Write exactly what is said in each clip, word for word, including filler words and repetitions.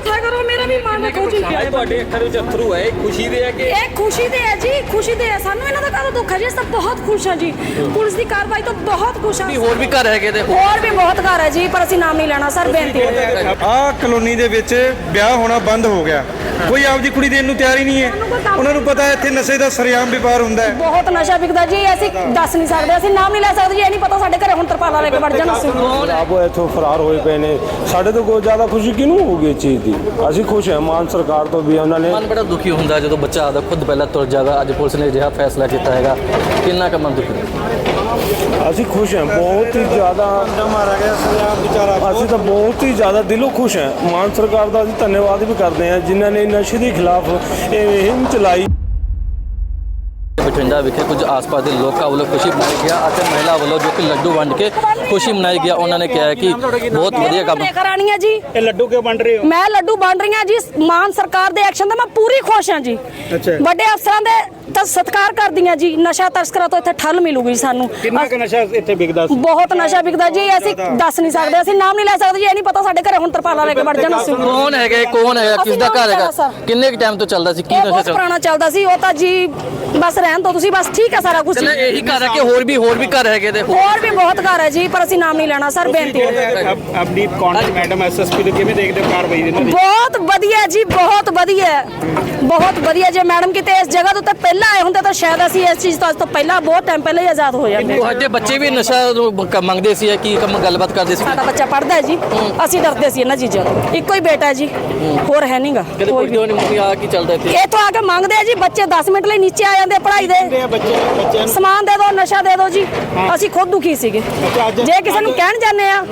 ਮਿਠਾ ਕਰੋ, ਮੇਰਾ ਵੀ ਮਨ ਰੱਖੋ ਜੀ। ਅੱਜ ਤੁਹਾਡੇ ਅੱਖਾਂ ਵਿੱਚ ਅਥਰੂ ਹੈ, ਖੁਸ਼ੀ ਦੇ ਹੈ ਕਿ ਇਹ ਖੁਸ਼ੀ ਦੇ ਹੈ ਜੀ, ਖੁਸ਼ੀ ਦੇ ਹੈ। ਸਾਨੂੰ ਇਹਨਾਂ ਦਾ ਕਾਹਦਾ ਦੁੱਖ ਹੈ ਜੀ, ਸਭ ਬਹੁਤ ਖੁਸ਼ ਹਾਂ ਜੀ। ਪੁਲਿਸ ਦੀ ਕਾਰਵਾਈ ਤੋਂ ਬਹੁਤ ਖੁਸ਼ ਹਾਂ। ਹੋਰ ਵੀ ਘਰ ਹੈਗੇ ਤੇ ਹੋਰ ਵੀ ਬਹੁਤ ਘਰ ਹੈ ਜੀ, ਪਰ ਅਸੀਂ ਨਾਮ ਨਹੀਂ ਲੈਣਾ ਸਰ, ਬੇਨਤੀ ਹੈ। ਆਹ ਕਲੋਨੀ ਦੇ ਵਿੱਚ ਵਿਆਹ ਹੋਣਾ ਬੰਦ ਹੋ ਗਿਆ। ਕੋਈ ਆਪਦੀ ਕੁੜੀ ਦੇਣ ਨੂੰ ਤਿਆਰ ਹੀ ਨਹੀਂ ਹੈ। ਉਹਨਾਂ ਨੂੰ ਪਤਾ ਹੈ ਇੱਥੇ ਨਸ਼ੇ ਦਾ ਸਰੇਆਮ ਵਪਾਰ ਹੁੰਦਾ ਹੈ। ਬਹੁਤ ਨਸ਼ਾ ਵਿਕਦਾ ਜੀ, ਅਸੀਂ ਦੱਸ ਨਹੀਂ ਸਕਦੇ, ਅਸੀਂ ਨਾਮ ਨਹੀਂ ਲੈ ਸਕਦੇ ਜੀ। ਇਹ ਨਹੀਂ ਪਤਾ ਸਾਡੇ ਘਰੇ ਹੁਣ ਤਰਪਾਲਾਂ ਲੈ ਕੇ ਵੜ ਜਾਣ। ਅਸੀਂ ਆਪ ਇੱਥੋਂ ਫਰਾਰ ਹੋਏ ਪਏ ਨੇ। ਸਾਡੇ ਤੋਂ ਕੋਈ ਜ਼ਿਆਦਾ ਖੁਸ਼ੀ ਕਿਹਨੂੰ ਹੋਊਗੀ ਇਸ ਚੀਜ਼ ਦੀ? ਅਸੀਂ ਖੁਸ਼ ਹਾਂ ਮਾਨ ਸਰਕਾਰ ਤੋਂ ਵੀ। ਉਹਨਾਂ ਨੇ ਮਨ ਬੜਾ ਦੁਖੀ ਹੁੰਦਾ ਜਦੋਂ ਬੱਚਾ ਆਦਾ ਖੁਦ ਪਹਿਲਾਂ ਤੁਰ ਜਾਗਾ। ਅੱਜ ਪੁਲਿਸ ਨੇ ਅਜਿਹਾ ਫੈਸਲਾ ਕੀਤਾ ਹੈਗਾ, ਕਿੰਨਾ ਕੁ ਮਨ ਦੁਖੀ? ਅਸੀਂ ਖੁਸ਼ ਹਾਂ, ਬਹੁਤ ਹੀ ਜ਼ਿਆਦਾ। ਮਾਰਾ ਗਿਆ ਸਰੇਆਮ ਵਿਚਾਰਾ। ਅਸੀਂ ਤਾਂ ਬਹੁਤ ਹੀ ਜ਼ਿਆਦਾ ਦਿਲੋਂ ਖੁਸ਼ ਹਾਂ। ਮਾਨ ਸਰਕਾਰ ਦਾ ਅਸੀਂ ਧੰਨਵਾਦ ਵੀ ਕਰਦੇ ਹਾਂ ਜਿਨ੍ਹਾਂ ਨੇ ਨਸ਼ੇ ਦੇ ਖਿਲਾਫ ਇਹ ਮੁਹਿੰਮ ਚਲਾਈ। ਬਠਿੰਡਾ ਵਿਖੇ ਕੁਝ ਆਸ-ਪਾਸ ਦੇ ਲੋਕਾਂ ਵੱਲੋਂ ਖੁਸ਼ੀ ਮਨਾਈ ਗਿਆ ਅਤੇ ਮਹਿਲਾ ਵੱਲੋਂ ਜੋ ਕਿ ਲੱਡੂ ਵੰਡ ਕੇ ਖੁਸ਼ੀ ਮਨਾਈ ਗਿਆ। ਉਹਨਾਂ ਨੇ ਕਿਹਾ ਕਿ ਬਹੁਤ ਵਧੀਆ ਕੰਮ ਕਰਾਣੀ ਹੈ ਜੀ। ਇਹ ਲੱਡੂ ਕਿਉਂ ਵੰਡ ਰਹੇ ਹੋ? ਮੈਂ ਲੱਡੂ ਵੰਡ ਰਹੀ ਹਾਂ ਜੀ, ਮਾਨ ਸਰਕਾਰ ਦੇ ਐਕਸ਼ਨ ਦਾ ਮੈਂ ਪੂਰੀ ਖੁਸ਼ ਹਾਂ ਜੀ। ਅੱਛਾ। ਵੱਡੇ ਅਫਸਰਾਂ ਦੇ ਤਾਂ ਸਤਿਕਾਰ ਕਰਦੀ ਹਾਂ ਜੀ। ਨਸ਼ਾ ਤਸਕਰਾਂ ਤੋਂ ਇੱਥੇ ਠੱਲ ਮਿਲੂਗੀ ਸਾਨੂੰ। ਕਿੰਨਾ ਕੁ ਨਸ਼ਾ ਇੱਥੇ ਵਿਕਦਾ ਸੀ? ਬਹੁਤ ਨਸ਼ਾ ਵਿਕਦਾ ਜੀ, ਅਸੀਂ ਦੱਸ ਨਹੀਂ ਸਕਦੇ, ਅਸੀਂ ਨਾਮ ਨਹੀਂ ਲੈ ਸਕਦੇ ਜੀ। ਇਹ ਨਹੀਂ ਪਤਾ ਸਾਡੇ ਘਰੇ ਹੁਣ ਤਰਪਾਲਾਂ ਲੈ ਕੇ ਵੜ ਜਾਣ। ਅਸੀਂ ਕੌਣ ਹੈਗੇ, ਕੌਣ ਹੈਗਾ, ਕਿਸ ਦਾ ਘਰ ਹੈਗਾ, ਕਿੰਨੇ ਟਾਈਮ ਤੋਂ ਚੱਲਦਾ ਸੀ, ਕੀ ਇਹ ਨਸ਼ਾ ਬਹੁਤ ਚੱਲਦਾ? ਪੁਰਾਣਾ ਚੱਲਦਾ ਸੀ ਉਹ ਤਾਂ ਜੀ। ਬਸ ਰਹਿਣ ਦੋ ਤੁਸੀਂ, ਬਸ ਠੀਕ ਹੈ ਸਾਰਾ ਕੁਝ। ਕਹਿੰਦੇ ਇਹੀ ਘਰ ਹੈ ਕਿ ਹੋਰ ਵੀ ਹੋਰ ਵੀ ਘਰ ਹੈਗੇ ਤੇ ਹੋਰ ਵੀ ਬਹੁਤ ਘਰ ਹੈ ਜੀ, ਪਰ ਅਸੀਂ ਨਾਮ ਨਹੀਂ ਲੈਣਾ ਸਰ, ਬੇਨਤੀ ਹੈ। ਅਬਦੀਪ ਕੌਣ ਮੈਡਮ ਐਸਐਸਪੀ ਨੂੰ ਕਿਵੇਂ ਦੇਖਦੇ ਹੋ ਕਾਰਵਾਈ ਦੀ? ਬਹੁਤ ਵਧੀਆ ਜੀ, ਬਹੁਤ ਵਧੀਆ, ਬਹੁਤ ਵਧੀਆ। ਜੇ ਮੈਡਮ ਕਿਤੇ ਇਸ ਜਗ੍ਹਾ ਦੇ ਉੱਤੇ ਪਹਿਲਾਂ ਆਏ ਹੁੰਦੇ ਤਾਂ ਸ਼ਾਇਦ ਅਸੀਂ ਇਸ ਚੀਜ਼ ਤੋਂ ਅੱਜ ਤੋਂ ਪਹਿਲਾਂ ਬਹੁਤ ਟਾਈਮ ਪਹਿਲਾਂ ਹੀ ਆਜ਼ਾਦ ਹੋ ਜਾਂਦੇ। ਤੁਹਾਡੇ ਬੱਚੇ ਵੀ ਨਸ਼ਾ ਮੰਗਦੇ ਸੀ ਕੀ ਕੰਮ ਗੱਲਬਾਤ ਕਰਦੇ ਸੀ? ਸਾਡਾ ਬੱਚਾ ਪੜ੍ਹਦਾ ਹੈ ਜੀ, ਅਸੀਂ ਡਰਦੇ ਸੀ ਇਹਨਾਂ ਚੀਜ਼ਾਂ ਤੋਂ। ਇੱਕੋ ਹੀ ਬੇਟਾ ਹੈ ਜੀ, ਹੋਰ ਹੈ ਨਹੀਂਗਾ ਕਦੇ ਕੋਈ ਪੁੱਛਦੇ ਨਹੀਂ ਆ ਕੀ ਚੱਲਦਾ ਇੱਥੇ? ਇਹ ਤੋਂ ਆ ਕੇ ਮੰਗਦੇ ਆ ਜੀ ਬੱਚੇ, ਦਸ ਮਿੰਟ ਲਈ ਨੀਚੇ ਆ ਜਾਂਦੇ ਪੜ੍ਹਾਈ ਦੇ। ਸਮਾਨ ਦੇ ਦਿਓ, ਨਸ਼ਾ ਦੇ ਦਿਓ ਜੀ। ਅਸੀਂ ਖੁਦ ਦੁਖੀ ਸੀਗੇ। ਜੇ ਕਿਸੇ ਨੂੰ ਕਹਿਣ ਜਾਂਦੇ ਆ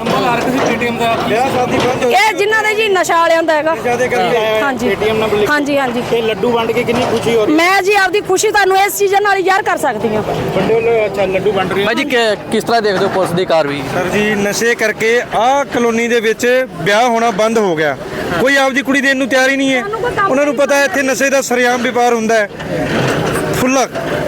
ਇਹ ਜਿਨ੍ਹਾਂ ਦੇ ਜੀ ਨਸ਼ਾ ਵਾਲਿਆਂ ਦਾ ਹੈਗਾ। ਹਾਂਜੀ ਹਾਂਜੀ ਹਾਂਜੀ। ਇਹ ਲੱਡੂ ਵੰਡ ਕੇ ਕਿੰਨੀ ਖੁਸ਼ੀ ਹੋ ਰਹੀ ਮੈਂ ਜੀ ਆਪਦੀ ਖੁਸ਼ੀ ਤੁਹਾਨੂੰ ਇਸ ਚੀਜ਼ ਨਾਲ ਹੀ ਜ਼ਾਹਰ ਕਰ ਸਕਦੀ ਹਾਂ। ਵੱਡੇ ਵੱਲੋਂ ਅੱਛਾ ਲੱਡੂ ਵੰਡ ਰਹੇ ਭਾਈ ਜੀ ਕਿ- ਕਿਸ ਤਰ੍ਹਾਂ ਦੇਖਦੇ ਹੋ ਪੁਲਿਸ ਦੀ ਕਾਰਵਾਈ? ਸਰ ਜੀ, ਨਸ਼ੇ ਕਰਕੇ ਆਹ ਕਲੋਨੀ ਦੇ ਵਿੱਚ ਵਿਆਹ ਹੋਣਾ ਬੰਦ ਹੋ ਗਿਆ। ਕੋਈ ਆਪਦੀ ਕੁੜੀ ਦੇਣ ਨੂੰ ਤਿਆਰ ਹੀ ਨਹੀਂ ਹੈ। ਉਹਨਾਂ ਨੂੰ ਪਤਾ ਹੈ ਇੱਥੇ ਨਸ਼ੇ ਦਾ ਸਰੇਆਮ ਵਪਾਰ ਹੁੰਦਾ ਹੈ। ਫੁੱਲਾ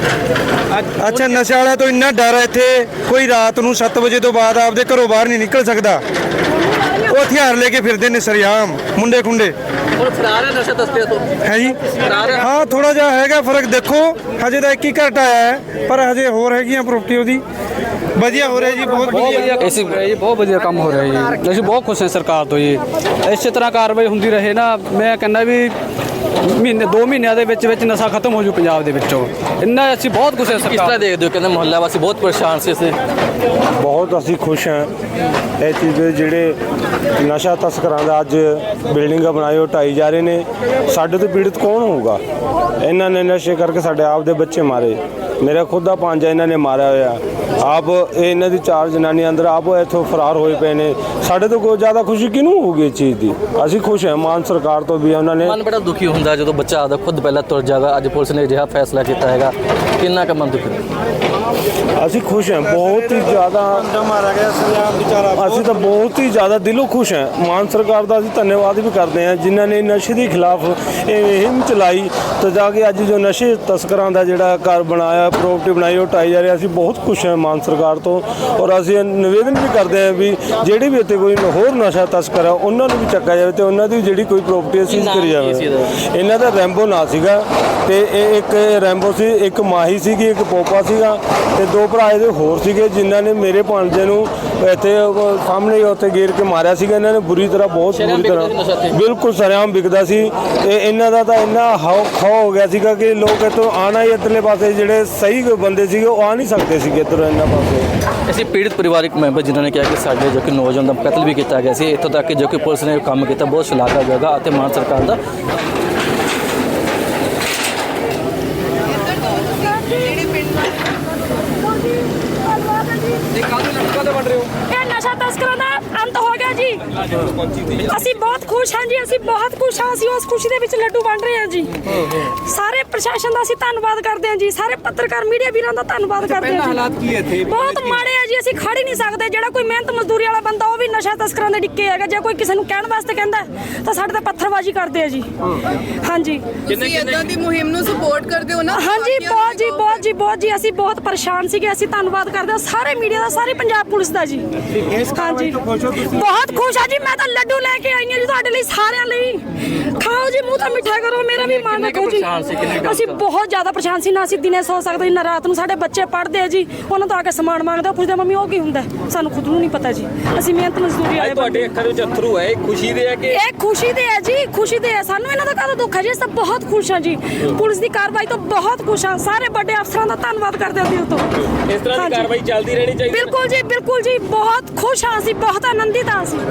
ਅੱਛਾ, ਨਸ਼ੇ ਵਾਲਿਆਂ ਤੋਂ ਇੰਨਾ ਡਰ ਹੈ ਇੱਥੇ, ਕੋਈ ਰਾਤ ਨੂੰ ਸੱਤ ਵਜੇ ਤੋਂ ਬਾਅਦ ਆਪਦੇ ਘਰੋਂ ਬਾਹਰ ਨਹੀਂ ਨਿਕਲ ਸਕਦਾ। ਉਹ ਹਥਿਆਰ ਲੈ ਕੇ ਫਿਰਦੇ ਨੇ ਸਰੇਆਮ, ਮੁੰਡੇ ਖੁੰਡੇ। ਹੁਣ ਫਰਾਰ ਹੈ ਨਸ਼ਾ ਤਸਕਰਾਂ ਤੋਂ? ਹੈ ਜੀ, ਫਰਾਰ ਹੈ। ਹਾਂ ਥੋੜਾ ਜਿਹਾ ਹੈਗਾ ਫਰਕ। ਦੇਖੋ ਹਜੇ ਤਾਂ ਇੱਕ ਹੀ ਘਟ ਆਇਆ ਹੈ, ਪਰ ਹਜੇ ਹੋਰ ਹੈਗੀਆਂ ਪ੍ਰੋਪਰਟੀ ਉਹਦੀ। ਵਧੀਆ ਹੋ ਰਿਹਾ ਜੀ, ਬਹੁਤ ਵਧੀਆ। ਇਸੇ ਜੀ ਬਹੁਤ ਵਧੀਆ ਕੰਮ ਹੋ ਰਿਹਾ ਜੀ। ਅਸੀਂ ਬਹੁਤ ਖੁਸ਼ ਹਾਂ ਸਰਕਾਰ ਤੋਂ ਜੀ। ਇਸੇ ਤਰ੍ਹਾਂ ਕਾਰਵਾਈ ਹੁੰਦੀ ਰਹੇ ਨਾ, ਮੈਂ ਕਹਿੰਦਾ ਵੀ ਮਹੀਨੇ ਦੋ ਮਹੀਨਿਆਂ ਦੇ ਵਿੱਚ ਵਿੱਚ ਨਸ਼ਾ ਖਤਮ ਹੋ ਜੂ ਪੰਜਾਬ ਦੇ ਵਿੱਚੋਂ। ਇੰਨਾ ਅਸੀਂ ਬਹੁਤ ਖੁਸ਼ ਹਾਂ ਕਿਸ ਤਰ੍ਹਾਂ ਸਰਕਾਰ। ਦੇਖਦੇ ਹੋ? ਕਹਿੰਦੇ ਮੁਹੱਲਾ ਵਾਸੀ ਬਹੁਤ ਪਰੇਸ਼ਾਨ ਸੀ ਇਸੇ। ਬਹੁਤ ਅਸੀਂ ਖੁਸ਼ ਹਾਂ ਇਹ ਚੀਜ਼ ਦੇ। ਜਿਹੜੇ ਨਸ਼ਾ ਤਸਕਰਾਂ ਦਾ ਅੱਜ ਬਿਲਡਿੰਗਾਂ ਬਣਾਏ ਉਹ ਢਾਈ ਜਾ ਰਹੇ ਨੇ। ਸਾਡੇ ਤੋਂ ਪੀੜਤ ਕੌਣ ਹੋਊਗਾ? ਇਹਨਾਂ ਨੇ ਨਸ਼ੇ ਕਰਕੇ ਸਾਡੇ ਆਪ ਦੇ ਬੱਚੇ ਮਾਰੇ। ਮੇਰਾ ਖੁਦ ਦਾ ਭਾਂਜਾ ਇਹਨਾਂ ਨੇ ਮਾਰਿਆ ਹੋਇਆ। ਆਪ ਇਹ ਇਹਨਾਂ ਦੀ ਚਾਰ ਜਨਾਨੀਆਂ ਅੰਦਰ ਆਪ ਇੱਥੋਂ ਫਰਾਰ ਹੋਏ ਪਏ ਨੇ। ਸਾਡੇ ਤੋਂ ਕੋਈ ਜ਼ਿਆਦਾ ਖੁਸ਼ੀ ਕਿਹਨੂੰ ਹੋਊਗੀ ਇਸ ਚੀਜ਼ ਦੀ? ਅਸੀਂ ਖੁਸ਼ ਹਾਂ ਮਾਨ ਸਰਕਾਰ ਤੋਂ ਵੀ। ਉਹਨਾਂ ਨੇ ਮਨ ਬੜਾ ਦੁਖੀ ਹੁੰਦਾ ਜਦੋਂ ਬੱਚਾ ਆਦਾ ਖੁਦ ਪਹਿਲਾਂ ਤੁਰ ਜਾਗਾ। ਅੱਜ ਪੁਲਿਸ ਨੇ ਅਜਿਹਾ ਫੈਸਲਾ ਕੀਤਾ ਹੈਗਾ, ਕਿੰਨਾ ਕੁ ਮਨ ਦੁਖੀ? ਅਸੀਂ ਖੁਸ਼ ਹਾਂ, ਬਹੁਤ ਹੀ ਜ਼ਿਆਦਾ। ਮਾਰਾ ਗਿਆ ਸਰੇਆਮ ਵਿਚਾਰਾ। ਅਸੀਂ ਤਾਂ ਬਹੁਤ ਹੀ ਜ਼ਿਆਦਾ ਦਿਲੋਂ ਖੁਸ਼ ਹਾਂ। ਮਾਨ ਸਰਕਾਰ ਦਾ ਅਸੀਂ ਧੰਨਵਾਦ ਵੀ ਕਰਦੇ ਹਾਂ ਜਿਨ੍ਹਾਂ ਨੇ ਨਸ਼ੇ ਦੇ ਖਿਲਾਫ ਇਹ ਮੁਹਿੰਮ ਚਲਾਈ ਤਾਂ ਜਾ ਕੇ ਅੱਜ ਜੋ ਨਸ਼ੇ ਤਸਕਰਾਂ ਦਾ ਜਿਹੜਾ ਘਰ ਬਣਾਇਆ, ਪ੍ਰੋਪਰਟੀ ਬਣਾਈ ਉਹ ਢਾਈ ਜਾ ਰਿਹਾ। ਅਸੀਂ ਬਹੁਤ ਖੁਸ਼ ਹਾਂ ਮਾਨ ਸਰਕਾਰ ਤੋਂ। ਔਰ ਅਸੀਂ ਨਿਵੇਦਨ ਵੀ ਕਰਦੇ ਹਾਂ ਵੀ ਜਿਹੜੇ ਵੀ ਇੱਥੇ ਕੋਈ ਹੋਰ ਨਸ਼ਾ ਤਸਕਰ ਆ ਉਹਨਾਂ ਨੂੰ ਵੀ ਚੱਕਿਆ ਜਾਵੇ ਤੇ ਉਹਨਾਂ ਦੀ ਜਿਹੜੀ ਕੋਈ ਪ੍ਰੋਪਰਟੀ ਸੀਜ਼ ਕਰੀ ਜਾਵੇ। ਇਹਨਾਂ ਦਾ ਰੈਂਬੋ ਨਾਂ ਸੀਗਾ ਤੇ ਇਹ ਇੱਕ ਰੈਂਬੋ ਸੀ, ਇੱਕ ਮਾਹੀ ਸੀਗੀ, ਇੱਕ ਪੋਪਾ ਸੀਗਾ ਤੇ ਦੋ ਭਰਾ ਇਹਦੇ ਹੋਰ ਸੀਗੇ ਜਿਨ੍ਹਾਂ ਨੇ ਮੇਰੇ ਭਾਂਜੇ ਨੂੰ ਇੱਥੇ ਸਾਹਮਣੇ ਉੱਥੇ ਗੇਰ ਕੇ ਮਾਰਿਆ ਸੀਗਾ। ਇਹਨਾਂ ਨੇ ਬੁਰੀ ਤਰ੍ਹਾਂ, ਬਹੁਤ ਬੁਰੀ ਤਰ੍ਹਾਂ, ਬਿਲਕੁਲ ਸਰੇਆਮ ਵਿਕਦਾ ਸੀ। ਤੇ ਇਹਨਾਂ ਦਾ ਤਾਂ ਇੰਨਾ ਹਾਉ ਖਾਓ ਹੋ ਗਿਆ ਸੀਗਾ ਕਿ ਲੋਕ ਇੱਥੋਂ ਆਉਣਾ ਹੀ ਇੱਧਰਲੇ ਪਾਸੇ, ਜਿਹੜੇ ਸਹੀ ਬੰਦੇ ਸੀਗੇ ਉਹ ਆ ਨਹੀਂ ਸਕਦੇ ਸੀਗੇ ਇੱਧਰੋਂ ਇਹਨਾਂ ਪਾਸੇ। ਅਸੀਂ ਪੀੜਤ ਪਰਿਵਾਰਕ ਮੈਂਬਰ ਜਿਨ੍ਹਾਂ ਨੇ ਕਿਹਾ ਕਿ ਸਾਡੇ ਜੋ ਕਿ ਨੌਜਵਾਨ ਦਾ ਕਤਲ ਵੀ ਕੀਤਾ ਗਿਆ ਸੀ। ਇੱਥੋਂ ਤੱਕ ਕਿ ਜੋ ਕਿ ਪੁਲਿਸ ਨੇ ਕੰਮ ਕੀਤਾ ਬਹੁਤ ਸ਼ਲਾਘਾਯੋਗ ਅਤੇ ਮਾਨ ਸਰਕਾਰ ਦਾ। ਇਹ ਨਸ਼ਾ ਤਸਕਰਾਂ ਦਾ ਅੰਤ ਹੋ ਗਿਆ ਜੀ। ਅਸੀਂ ਬਹੁਤ ਖੁਸ਼ ਹਾਂ ਜੀ, ਅਸੀਂ ਬਹੁਤ ਖੁਸ਼ ਹਾਂ। ਅਸੀਂ ਉਸ ਖੁਸ਼ੀ ਦੇ ਵਿੱਚ ਲੱਡੂ ਵੰਡ ਰਹੇ ਹਾਂ ਜੀ। ਸਾਰੇ ਪ੍ਰਸ਼ਾਸਨ ਦਾ ਅਸੀਂ ਧੰਨਵਾਦ ਕਰਦੇ ਹਾਂ ਜੀ, ਸਾਰੇ ਪੱਤਰਕਾਰ ਮੀਡੀਆ ਵੀਰਾਂ ਦਾ ਧੰਨਵਾਦ ਕਰਦੇ ਹਾਂ। ਹਾਲਾਤ ਕੀ ਇੱਥੇ ਬਹੁਤ ਮਾੜੇ ਆ ਜੀ, ਅਸੀਂ ਖੜ ਹੀ ਨਹੀਂ ਸਕਦੇ। ਜਿਹੜਾ ਕੋਈ ਮਿਹਨਤ ਮਜ਼ਦੂਰੀ ਵਾਲਾ ਬੰਦਾ ਉਹ ਵੀ ਨਸ਼ਾ ਤਸਕਰਾਂ ਦੇ ਡਿੱਕੇ ਹੈਗਾ। ਜੇ ਕੋਈ ਕਿਸੇ ਨੂੰ ਕਹਿਣ ਵਾਸਤੇ ਕਹਿੰਦਾ ਤਾਂ ਸਾਡੇ ਤੇ ਪੱਥਰਬਾਜ਼ੀ ਕਰਦੇ ਆ ਜੀ। ਹਾਂਜੀ ਤੁਸੀਂ ਇਦਾਂ ਦੀ ਮੁਹਿੰਮ ਨੂੰ ਸਪੋਰਟ ਕਰਦੇ ਹੋ ਨਾ? ਹਾਂਜੀ ਬਹੁਤ ਜੀ ਬਹੁਤ ਜੀ ਬਹੁਤ ਜੀ ਅਸੀਂ ਬਹੁਤ ਪਰੇਸ਼ਾਨ ਸੀਗੇ। ਅਸੀਂ ਧੰਨਵਾਦ ਕਰਦੇ ਹਾਂ ਸਾਰੇ ਮੀਡੀਆ ਦਾ, ਸਾਰੇ ਪੰਜਾਬ ਪੁਲਿਸ ਦਾ ਜੀ। ਹਾਂਜੀ ਬਹੁਤ ਖੁਸ਼ ਆ ਜੀ। ਮੈਂ ਤਾਂ ਲੱਡੂ ਲੈ ਕੇ ਆਈ ਹਾਂ ਜੀ ਤੁਹਾਡੇ ਲਈ, ਸਾਰਿਆਂ ਲਈ। ਖਾਓ ਜੀ, ਮੂੰਹ ਤਾਂ ਮਿੱਠਾ ਕਰੋ, ਮੇਰਾ ਵੀ ਮਨ ਰੱਖੋ ਜੀ। ਅਸੀਂ ਬਹੁਤ ਜ਼ਿਆਦਾ ਪਰੇਸ਼ਾਨ ਸੀ, ਨਾ ਅਸੀਂ ਦਿਨੇ ਸੌ ਸਕਦੇ ਨਾ ਰਾਤ ਨੂੰ। ਸਾਡੇ ਬੱਚੇ ਪੜ੍ਹਦੇ ਆ ਜੀ, ਉਹਨਾਂ ਤੋਂ ਆ ਕੇ ਸਮਾਨ ਮੰਗਦੇ ਆ, ਪੁੱਛਦੇ ਮੰਮੀ ਉਹ ਕੀ ਹੁੰਦਾ, ਸਾਨੂੰ ਖੁਦ ਨੂੰ ਨਹੀਂ ਪਤਾ ਜੀ। ਅਸੀਂ ਮਿਹਨਤ ਮਜ਼ਦੂਰੀ ਆਏ। ਤੁਹਾਡੇ ਅੱਖਾਂ ਦੇ ਵਿੱਚ ਅਥਰੂ ਹੈ, ਖੁਸ਼ੀ ਦੇ ਹੈ ਕਿ ਇਹ ਖੁਸ਼ੀ ਦੇ ਹੈ ਜੀ, ਖੁਸ਼ੀ ਦੇ ਹੈ। ਸਾਨੂੰ ਇਹਨਾਂ ਦਾ ਕਾਹਦਾ ਦੁੱਖ ਹੈ ਜੀ, ਅਸੀਂ ਬਹੁਤ ਖੁਸ਼ ਹਾਂ ਜੀ। ਪੁਲਿਸ ਦੀ ਕਾਰਵਾਈ ਤੋਂ ਬਹੁਤ ਖੁਸ਼ ਹਾਂ। ਸਾਰੇ ਵੱਡੇ ਅਫਸਰਾਂ ਦਾ ਧੰਨਵਾਦ ਕਰਦੇ ਹਾਂ ਦਿਲ ਤੋਂ। ਇਸ ਤਰ੍ਹਾਂ ਦੀ ਕਾਰਵਾਈ ਚੱਲਦੀ ਰਹਿਣੀ ਚਾਹੀਦੀ ਹੈ। ਬਿਲਕੁਲ ਜੀ, ਬਿਲਕੁਲ ਜੀ, ਬਹੁਤ ਖੁਸ਼ ਹਾਂ ਅਸੀਂ, ਬਹੁਤ ਆਨੰਦਿਤ ਹਾਂ ਅਸੀਂ।